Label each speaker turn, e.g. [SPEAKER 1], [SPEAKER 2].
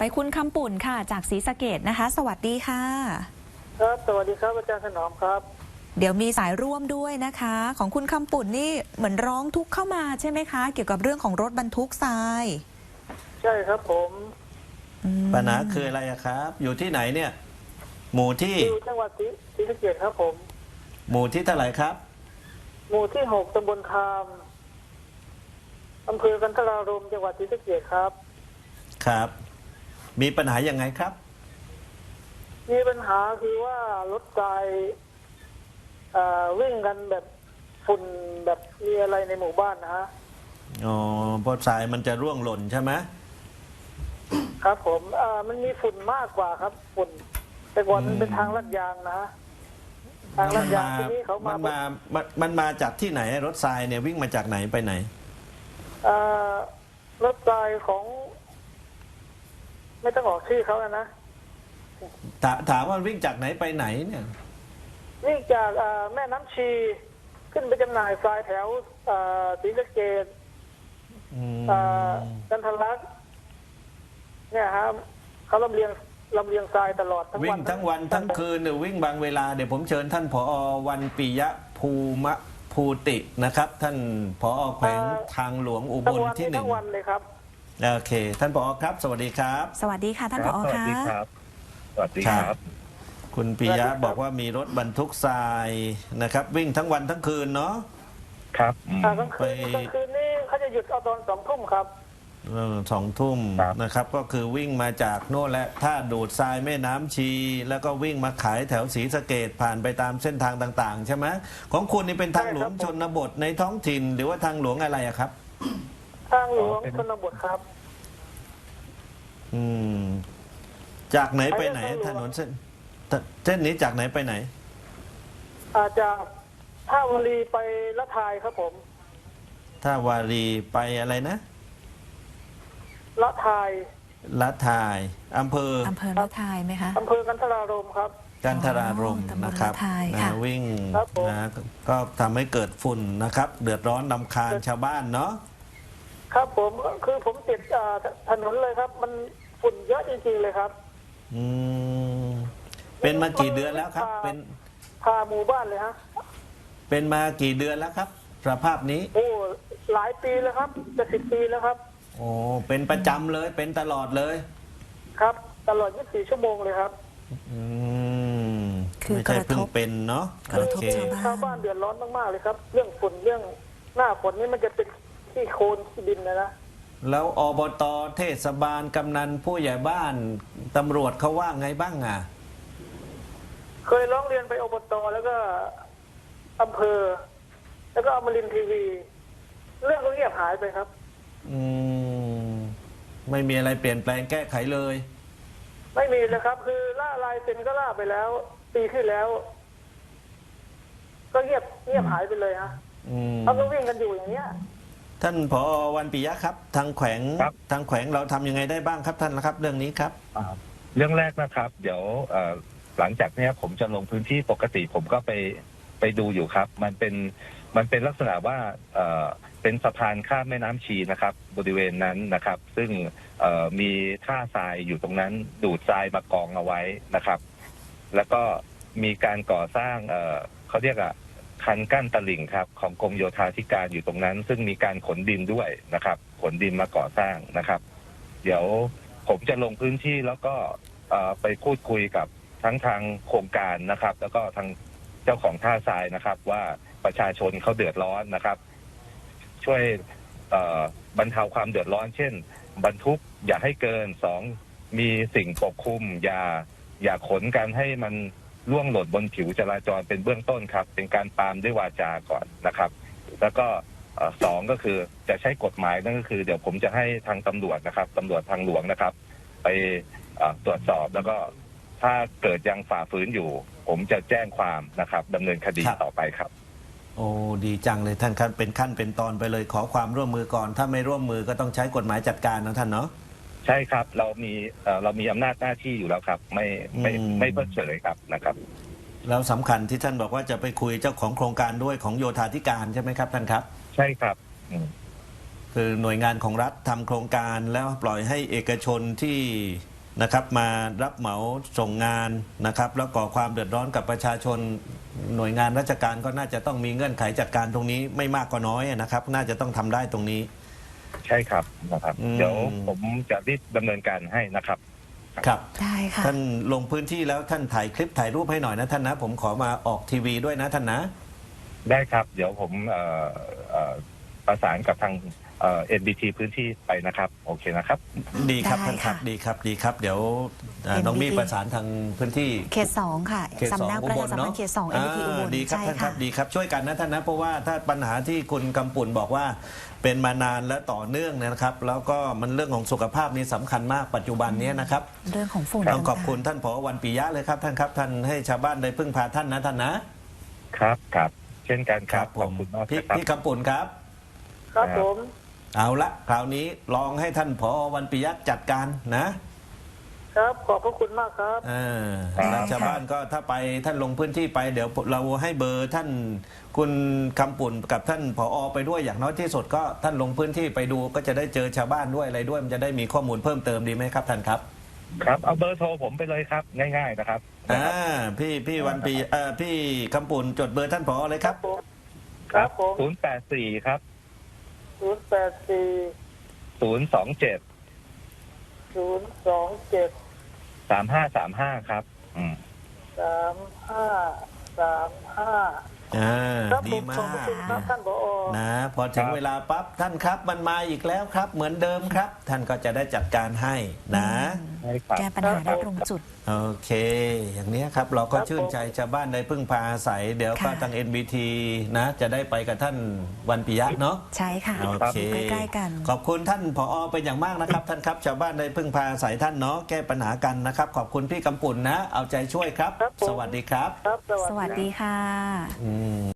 [SPEAKER 1] ไปคุณคำปุ่นค่ะจากศรีสะเกษนะคะสวัสดีค่ะ
[SPEAKER 2] ครับสวัสดีครับอาจารย์ถนอมครับ
[SPEAKER 1] เดี๋ยวมีสายร่วมด้วยนะคะของคุณคำปุ่นนี่เหมือนร้องทุกข์เข้ามาใช่ไหมคะเกี่ยวกับเรื่องของรถบรรทุกทราย
[SPEAKER 2] ใช่ครับผม
[SPEAKER 3] ปัญหาคืออะไรครับ อยู่ที่ไหนเนี่ยหมู่ที่
[SPEAKER 2] อยู่จังหวัดศรีสะเกษครับผม
[SPEAKER 3] หมู่ที่เท่าไหร่ครับ
[SPEAKER 2] หมู่ที่6ตำบลคามอำเภอกันทรารมจังหวัดศรีสะเกษครับ
[SPEAKER 3] ครับมีปัญหายังไงครับ
[SPEAKER 2] มีปัญหาคือว่ารถไฟวิ่งกันแบบฝุ่นแบบมีอะไรในหมู่บ้านนะฮะ
[SPEAKER 3] อ๋อเพราะทรายมันจะร่วงหล่นใช่ไหม
[SPEAKER 2] ครับผมมันมีฝุ่นมากกว่าครับฝุ่นแต่ก่อนมันเป็นทางลาดยางนะทางลาดยางที่นี้เขา
[SPEAKER 3] มันมาจากที่ไหนรถทรายเนี่ยวิ่งมาจากไหนไปไหน
[SPEAKER 2] รถไฟของไม่ต้องออกชื่อเขานะ
[SPEAKER 3] ถามว่าวิ่งจากไหนไปไหนเนี่ย
[SPEAKER 2] วิ่งจากแม่น้ำชีขึ้นไปจำหน่ายทรายแถวศรีสะเกษกันทรลักษณ์เนี่ยครับเขาลำเลียงทรายตลอดทั้งวัน
[SPEAKER 3] วิ่งทั้งวันทั้งคืนเนี่ยวิ่งบางเวลาเดี๋ยวผมเชิญท่านผอ.วันปิยะภูตินะครับท่านผอ.แขวงทางหลวงอุบลที่1
[SPEAKER 2] ทั้งวันเลยครับ
[SPEAKER 3] โอเคท่านผอ.ครับสวัสดีครับ
[SPEAKER 1] สวัสดีค่ะท่านผอ.
[SPEAKER 4] ค่ะสวัสดีครับสวัสดีครับ
[SPEAKER 3] คุณปิยะบอกว่ามีรถบรรทุกทรายนะครับวิ่งทั้งวันทั้งคืนเนาะ
[SPEAKER 4] ครับ
[SPEAKER 2] กลางคืนนี่เขาจะหยุดเอาตอน2 ทุ่มครับ
[SPEAKER 3] 2 ทุ่มนะครับก็คือวิ่งมาจากโน่นและท่าดูดทรายแม่น้ำชีแล้วก็วิ่งมาขายแถวศรีสะเกษผ่านไปตามเส้นทางต่างๆใช่ไหมของคุณนี่เป็นทางหลวงชนบทในท้องถิ่นหรือว่าทางหลวงอะไรอะครับ
[SPEAKER 2] ทางหลวงชนบทครับ
[SPEAKER 3] จากไหนไปไหนถนนเส้นนี้จากไหนไปไหน
[SPEAKER 2] จากท่าวารีไปละทายครับผม
[SPEAKER 3] ท่าวารีไปอะไรนะ
[SPEAKER 2] ละทาย
[SPEAKER 3] อำเภอ
[SPEAKER 1] ละทายไหมคะ
[SPEAKER 2] อำเภอกันทรารมครับ
[SPEAKER 3] กันทรารมนะครับวิ่งนะก็ทำให้เกิดฝุ่นนะครับเดือดร้อนรำคาญชาวบ้านเนาะ
[SPEAKER 2] ครับผมคือผมติดถนนเลยครับมันฝุ่นเยอะจริงๆเลยครับ
[SPEAKER 3] เป็นมากี่เดือนแล้วครับเป็น
[SPEAKER 2] พาหมู่บ้านเลยฮะ
[SPEAKER 3] เป็นมากี่เดือนแล้วครับสภาพนี้
[SPEAKER 2] โอ้หลายปีแล้วครับจะ10 ปีแล้วครับ
[SPEAKER 3] โอ้เป็นประจำเลยเป็นตลอดเลย
[SPEAKER 2] ครับตลอด24 ชั่วโมงเลยครับ
[SPEAKER 1] คือ
[SPEAKER 3] ไม่ใช่เพิ่งเป็นเนาะ
[SPEAKER 1] กระทบ
[SPEAKER 2] ชาวบ้านเดือดร้อนมากๆเลยครับเรื่องฝุ่นเรื่องหน้าฝนนี่มันจะเป็นขี้โคลนขี้ดินนะ
[SPEAKER 3] แล้วอบต.เทศบาลกำนันผู้ใหญ่บ้านตำรวจเขาว่าไงบ้างอ่ะ
[SPEAKER 2] เคยร้องเรียนไปอบต.แล้วก็อำเภอแล้วก็อมรินทร์ทีวีเรื่องก็เงียบหายไปครับ
[SPEAKER 3] ไม่มีอะไรเปลี่ยนแปลงแก้ไขเลย
[SPEAKER 2] ไม่มีเลยครับคือล่าลายเซ็นก็ล่าไปแล้วปีที่แล้วก็เงียบหายไปเลยฮะเขาก็วิ่งกันอยู่อย่างเนี้ย
[SPEAKER 3] ท่านผอ.วันปิยะครับทางแขวงเราทำยังไงได้บ้างครับท่านนะครับเรื่องนี้ครับ
[SPEAKER 4] เรื่องแรกนะครับเดี๋ยวหลังจากนี้ผมจะลงพื้นที่ปกติผมก็ไปดูอยู่ครับมันเป็นลักษณะว่าเป็นสะพานข้ามแม่น้ำชีนะครับบริเวณนั้นนะครับซึ่งมีท่าทรายอยู่ตรงนั้นดูดทรายมากองเอาไว้นะครับแล้วก็มีการก่อสร้างเขาเรียกคันกั้นตลิ่งครับของกรมโยธาธิการอยู่ตรงนั้นซึ่งมีการขนดินด้วยนะครับขนดินมาก่อสร้างนะครับเดี๋ยวผมจะลงพื้นที่แล้วก็ไปพูดคุยกับทั้งทางโครงการนะครับแล้วก็ทางเจ้าของท่าทรายนะครับว่าประชาชนเขาเดือดร้อนนะครับช่วยบรรเทาความเดือดร้อนเช่นบรรทุกอย่าให้เกิน2มีสิ่งปกคลุมอย่าขนกันให้มันล่วงหล่นบนผิวจราจรเป็นเบื้องต้นครับเป็นการปรามด้วยวาจาก่อนนะครับแล้วก็2ก็คือจะใช้กฎหมายนั่นก็คือเดี๋ยวผมจะให้ทางตำรวจนะครับตำรวจทางหลวงนะครับไปตรวจสอบแล้วก็ถ้าเกิดยังฝ่าฝืนอยู่ผมจะแจ้งความนะครับดำเนินคดีต่อไปครับ
[SPEAKER 3] โอ้ดีจังเลยท่านครับเป็นขั้นเป็นตอนไปเลยขอความร่วมมือก่อนถ้าไม่ร่วมมือก็ต้องใช้กฎหมายจัดการนะท่านเนาะ
[SPEAKER 4] ใช่ครับเรามีอำนาจหน้าที่อยู่แล้วครับไม่เพิกเฉยครับนะครับ
[SPEAKER 3] แล้วสำคัญที่ท่านบอกว่าจะไปคุยเจ้าของโครงการด้วยของโยธาธิการใช่ไหมครับท่านครับ
[SPEAKER 4] ใช่ครับ
[SPEAKER 3] คือหน่วยงานของรัฐทำโครงการแล้วปล่อยให้เอกชนที่นะครับมารับเหมาส่งงานนะครับแล้วก่อความเดือดร้อนกับประชาชนหน่วยงานราชการก็น่าจะต้องมีเงื่อนไขจัดการตรงนี้ไม่มากก็น้อยนะครับ น่าจะต้องทำได้ตรงนี้
[SPEAKER 4] ใช่ครับนะครับ
[SPEAKER 3] อืม
[SPEAKER 4] เดี๋ยวผมจะรีบดำเนินการให้นะครับ
[SPEAKER 3] ครับ
[SPEAKER 1] ได้ค่ะ
[SPEAKER 3] ท่านลงพื้นที่แล้วท่านถ่ายคลิปถ่ายรูปให้หน่อยนะท่านนะ ผมขอมาออกทีวีด้วยนะท่านนะ
[SPEAKER 4] ได้ครับ เดี๋ยวผมประสานกับทางNBT พื้นที่ไปนะครับ โอเคนะครับ
[SPEAKER 3] ดีครับ
[SPEAKER 1] ได้
[SPEAKER 3] ท่านครับ
[SPEAKER 1] ค่ะ
[SPEAKER 3] ดีครับดีครับ เดี๋ยวน้อง
[SPEAKER 1] NBT
[SPEAKER 3] มี่ประสานทางพื้นที่
[SPEAKER 1] เขต 2 ค่ะ
[SPEAKER 3] เขตสอง
[SPEAKER 1] สำนัก
[SPEAKER 3] อุ
[SPEAKER 1] ประ
[SPEAKER 3] บ
[SPEAKER 1] ชา
[SPEAKER 3] ล
[SPEAKER 1] สัมพัน
[SPEAKER 3] เนาะ
[SPEAKER 1] ธ์เขต 2 NBT อุบล
[SPEAKER 3] ดีครับ
[SPEAKER 1] ใช่
[SPEAKER 3] ท่านครั
[SPEAKER 1] ค่ะ
[SPEAKER 3] บดีครับช่วยกันนะท่านนะเพราะว่าถ้าปัญหาที่คุณกำปุ่นบอกว่าเป็นมานานและต่อเนื่องเนยนะครับ แล้วก็มันเรื่องของสุขภาพนี่สำคัญมากปัจจุบันนี้นะครับ
[SPEAKER 1] เรื่องของฝุ่น
[SPEAKER 3] ต้องขอบคุณท่านผอ.วันปิยะเลยครับท่านครับท่านให้ชาวบ้านได้พึ่งพาท่านนะท่านนะครับ
[SPEAKER 4] ครับ เช่นกันครับ
[SPEAKER 3] ผ
[SPEAKER 4] ขอบ
[SPEAKER 3] ม
[SPEAKER 4] คุณมาก
[SPEAKER 3] พี่
[SPEAKER 4] นะครับ
[SPEAKER 3] พี่กำปุ่นครับ
[SPEAKER 2] ครับผม
[SPEAKER 3] เอาละคราวนี้ลองให้ท่านผอ.วันปิยะจัดการนะครับ
[SPEAKER 2] ขอบพระคุณมากครับ
[SPEAKER 3] แล้วชาวบ้านก็ถ้าไปท่านลงพื้นที่ไปเดี๋ยวเราให้เบอร์ท่านคุณคำปุ่นกับท่านผอ.ไปด้วยอย่างน้อยที่สุดก็ท่านลงพื้นที่ไปดูก็จะได้เจอชาวบ้านด้วยอะไรด้วยมันจะได้มีข้อมูลเพิ่มเติมดีไหมครับท่านครับ
[SPEAKER 4] ครับ เอาเบอร์โทรผมไปเลยครับ ง่ายๆนะครับ
[SPEAKER 3] พี่วันปีพี่คำปุ่นจดเบอร์ท่านผอ.เลยครับ
[SPEAKER 2] ผม ครับผม
[SPEAKER 4] 084 ครับ
[SPEAKER 2] 084
[SPEAKER 4] 027
[SPEAKER 2] 027
[SPEAKER 4] 3535 ครับ
[SPEAKER 2] 3535ครับผ
[SPEAKER 3] ดี
[SPEAKER 2] ม
[SPEAKER 3] มา
[SPEAKER 2] ขอบพระคุณครับ
[SPEAKER 3] ก
[SPEAKER 2] ท่านผอ.
[SPEAKER 3] นะพอถึง
[SPEAKER 4] ครับ
[SPEAKER 3] เวลาปั๊บท่านครับมันมาอีกแล้วครับ เหมือนเดิมครับ ท่านก็จะได้จัดการให้นะ
[SPEAKER 4] ใช่ครับ
[SPEAKER 1] แก้ปัญหาได้ตรงจุด
[SPEAKER 3] โอเค อย่างนี้ครับเราก็
[SPEAKER 2] ครับ
[SPEAKER 3] ชื่นใจชาวบ้านได้พึ่งพาอาศัย เดี๋ยวก็
[SPEAKER 1] ค่ะ
[SPEAKER 3] ทาง NBT นะจะได้ไปกับท่านวันปิยะเนาะ
[SPEAKER 1] ใช่ค่ะ
[SPEAKER 3] โอเค
[SPEAKER 1] อยู่ใกล้ๆกัน
[SPEAKER 3] ขอบคุณท่านผอ.เป็นอย่างมากนะครับ ท่านครับชาวบ้านได้พึ่งพาอาศัยท่านเนาะแก้ปัญหากันนะครับ ขอบคุณพี่กำปุ่นนะ เอาใจช่วยครับ
[SPEAKER 2] ครับผม
[SPEAKER 3] สวัสดีครับ
[SPEAKER 2] ครับ
[SPEAKER 1] สวัสดีค่ะ
[SPEAKER 3] อืม